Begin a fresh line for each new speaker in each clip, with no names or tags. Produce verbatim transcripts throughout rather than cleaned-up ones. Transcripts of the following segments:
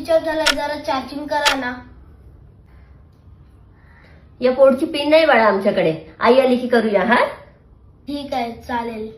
Switch off झाला, जरा charging करा ना.
या पोर्टची पिन नाही बाळा आमच्याकडे, आई आली की करूया. हा
ठीक आहे, चालेल.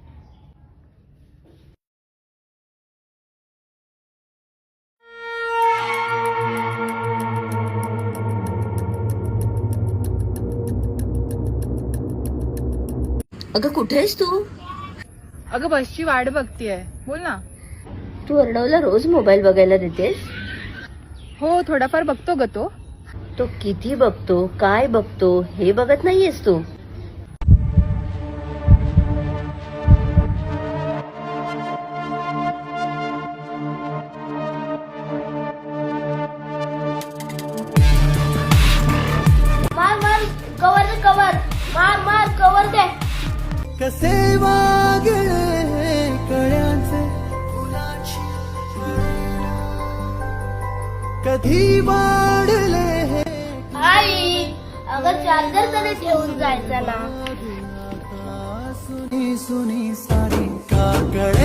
अगं कुठे आहेस तू?
अगं बसची वाट बघतीये, बोल ना.
तू अर्णवला रोज मोबाईल बघायला देतेस?
हो, थोडाफार बघतो ग तो.
तो किती बघतो, काय बघतो हे बघत नाहीयेस तू?
मार मार कवर दे, कवर मार मार कवर दे.
कसे वागले कळ्यांचे फुलाची कधी वाढले हे
आई, अगं चार्जर तरी ठेवून जायचं ना.
सुनी सुनी सारी काकड